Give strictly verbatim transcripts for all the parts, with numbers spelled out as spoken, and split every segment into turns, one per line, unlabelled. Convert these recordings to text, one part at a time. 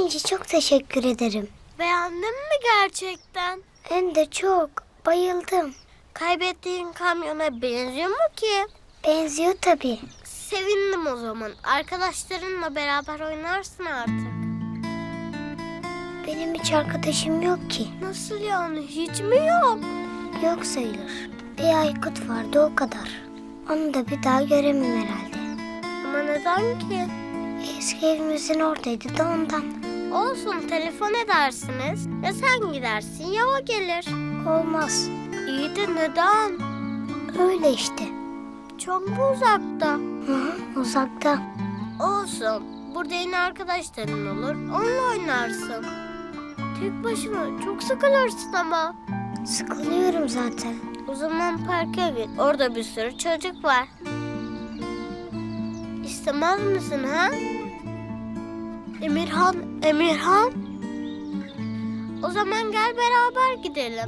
İnci, çok teşekkür ederim.
Beğendin mi gerçekten?
Hem de çok. Bayıldım.
Kaybettiğin kamyona benziyor mu ki?
Benziyor tabii.
Sevindim o zaman. Arkadaşlarınla beraber oynarsın artık.
Benim hiç arkadaşım yok ki.
Nasıl yani? Hiç mi yok?
Yok sayılır. Bir Aykut vardı, o kadar. Onu da bir daha göremem herhalde.
Ama neden ki?
Eski evimizin oradaydı da ondan.
Olsun, telefon edersiniz. Ya sen gidersin ya o gelir.
Olmaz.
İyi de neden?
Öyle işte.
Çok mu uzakta?
Hı hı, uzakta.
Olsun. Burada yeni arkadaşların olur. Onunla oynarsın. Tek başına çok sıkılırsın ama.
Sıkılıyorum zaten.
O zaman parka git. Orada bir sürü çocuk var. İstemez misin ha? Emirhan, Emirhan. O zaman gel beraber gidelim.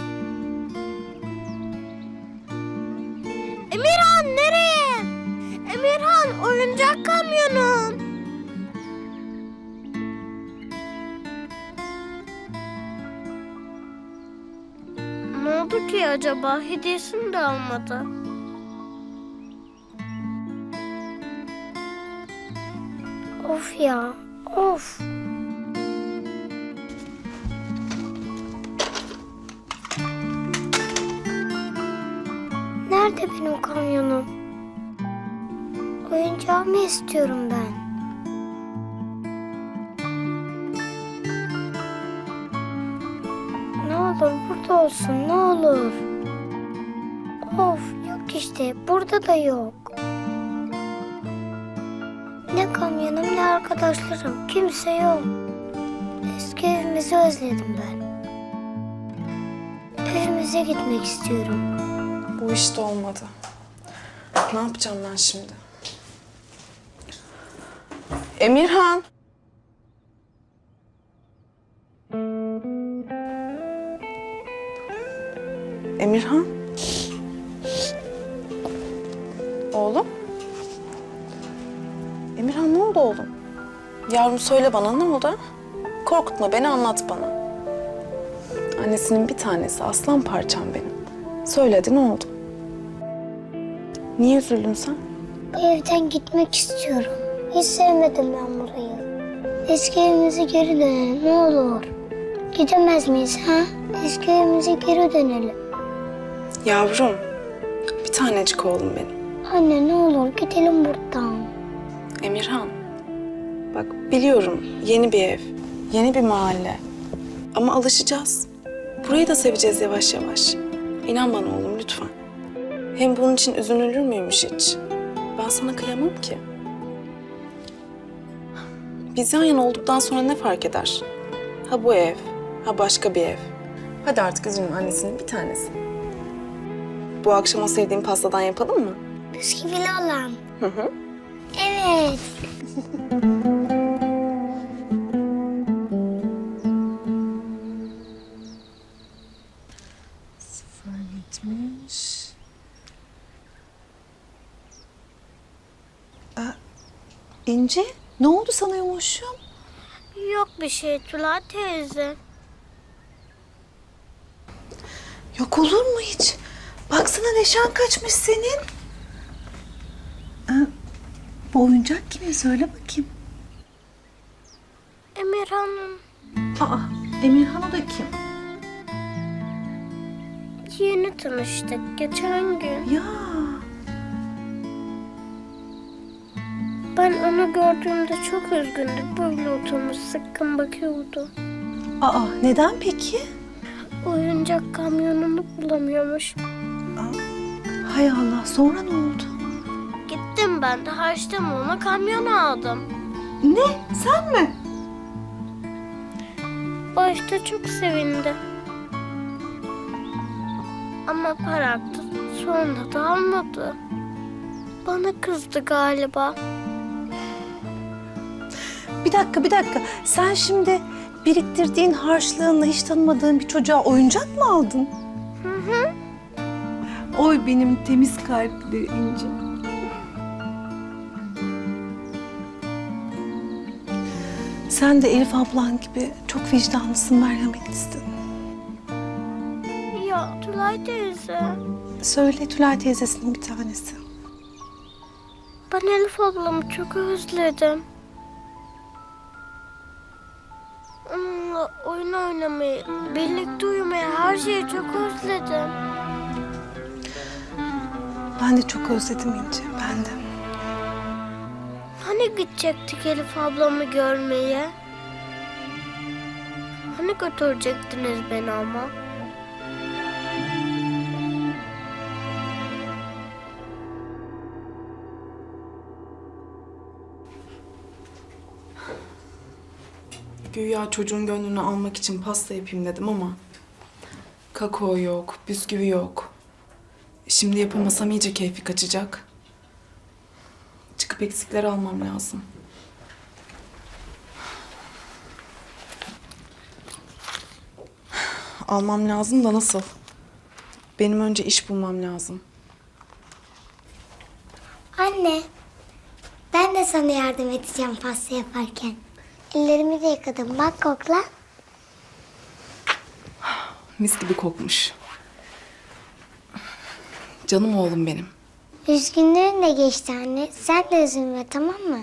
Emirhan nereye? Emirhan, oyuncak kamyonun. Ne oldu ki acaba? Hediyesini de almadı.
Of ya, of. Nerede benim kamyonum? Oyuncağımı istiyorum ben. Ne olur burada olsun, ne olur. Of, yok işte, burada da yok. Ne kamyonum ne arkadaşlarım, kimse yok. Eski evimizi özledim ben. Evimize gitmek istiyorum.
Bu iş de olmadı. Ne yapacağım ben şimdi? Emirhan. Emirhan. Oğlum. Emirhan, ne oldu oğlum? Yavrum, söyle bana, ne oldu? Korkutma beni, anlat bana. Annesinin bir tanesi, aslan parçam benim. Söyledi, ne oldu? Niye üzüldün sen?
Bu evden gitmek istiyorum. Hiç sevmedim ben burayı. Eski evimize geri dönelim, ne olur. Gidemez miyiz ha? Eski evimize geri dönelim.
Yavrum, bir tanecik oğlum benim.
Anne ne olur gidelim buradan.
Emirhan, bak biliyorum yeni bir ev, yeni bir mahalle. Ama alışacağız. Burayı da seveceğiz yavaş yavaş. İnan bana oğlum, lütfen. Hem bunun için üzülür müymüş hiç? Ben sana kıyamam ki. Biz yan yana olduktan sonra ne fark eder? Ha bu ev, ha başka bir ev. Hadi artık üzülme, annesinin bir tanesi. Bu akşam o sevdiğim pastadan yapalım mı?
Bisküvili olan.
Hı hı.
Evet.
Sıfır yetmiş. Aa, İnci, ne oldu sana yumuşum?
Yok bir şey Tülay teyze.
Yok olur mu hiç? Baksana neşan kaçmış senin. Aa, bu oyuncak kimin? Söyle bakayım.
Emirhan'ın
Aa, Emirhan o da kim?
yeni tanıştık geçen gün.
Ya,
Ben onu gördüğümde çok üzgündü. Böyle oturmuş sıkkın bakıyordu.
aa neden peki?
Oyuncak kamyonunu bulamıyormuş.
Hay Allah, sonra ne oldu?
Gittim ben de harçtan ona kamyon aldım.
Ne? Sen mi?
Başta çok sevindi. Ama para aktı. Sonra da almadı. Bana kızdı galiba.
Bir dakika, bir dakika. Sen şimdi biriktirdiğin harçlığınla hiç tanımadığın bir çocuğa oyuncak mı aldın?
Hı hı.
Oy benim temiz kalpli İnci. Sen de Elif ablan gibi çok vicdanlısın, merhametlisin.
Ya Tülay teyze.
Söyle Tülay teyzesinin bir tanesi.
Ben Elif ablamı çok özledim. Onunla oyun oynamayı, birlikte uyumayı, her şeyi çok özledim.
Ben de çok özledim İnci, ben de.
Hani gidecektik Elif ablamı görmeye? Hani götürecektiniz beni ama?
Güya çocuğun gönlünü almak için pasta yapayım dedim ama... kakao yok, bisküvi yok. Şimdi yapamasam iyice keyfi kaçacak. Çıkıp eksikleri almam lazım. Almam lazım da nasıl? Benim önce iş bulmam lazım.
Anne, ben de sana yardım edeceğim pasta yaparken. Ellerimi de yıkadım. Bak kokla.
Mis gibi kokmuş. Canım oğlum benim.
Üzgünlüğün de geçti anne. Sen de üzülme, tamam mı?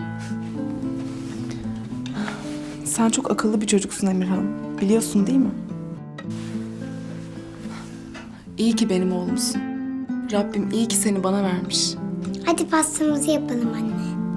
Sen çok akıllı bir çocuksun Emirhan. Biliyorsun değil mi? İyi ki benim oğlumsun. Rabbim iyi ki seni bana vermiş.
Hadi pastamızı yapalım anne.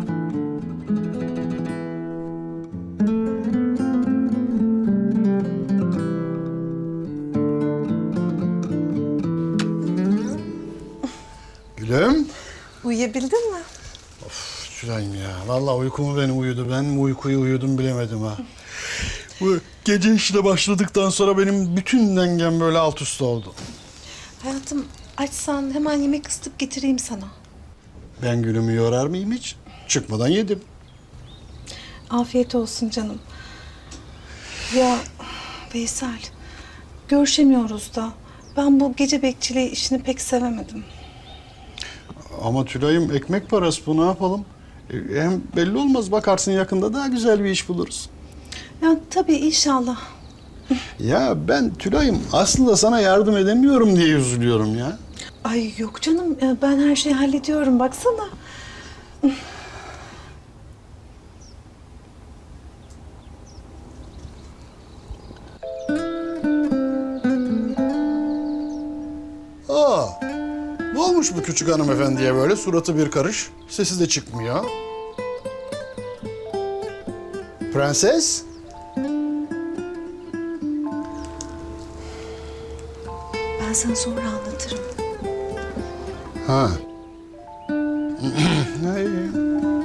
Gülüm.
Uyuyabildin mi?
Şurayım ya. Vallahi uykumu beni uyudu. Ben mi uykuyu uyudum bilemedim ha. Bu gece işine başladıktan sonra benim bütün dengem böyle alt üst oldu.
Hayatım, açsan hemen yemek ısıtıp getireyim sana.
Ben Gülüm'ü yorar mıyım hiç? Çıkmadan yedim.
Afiyet olsun canım. Ya Veysel, görüşemiyoruz da ben bu gece bekçiliği işini pek sevemedim.
Ama Tülay'ım ekmek parası bu, ne yapalım? E, Hem belli olmaz, bakarsın yakında daha güzel bir iş buluruz.
Ya tabii inşallah.
Ya ben Tülay'ım aslında sana yardım edemiyorum diye üzülüyorum ya.
Ay yok canım, ya ben her şeyi hallediyorum baksana.
Aa, ne olmuş bu küçük hanımefendiye böyle? Suratı bir karış, sesi de çıkmıyor. Prenses?
Ben sana sonra anlatırım.
Ha. Ha, iyi.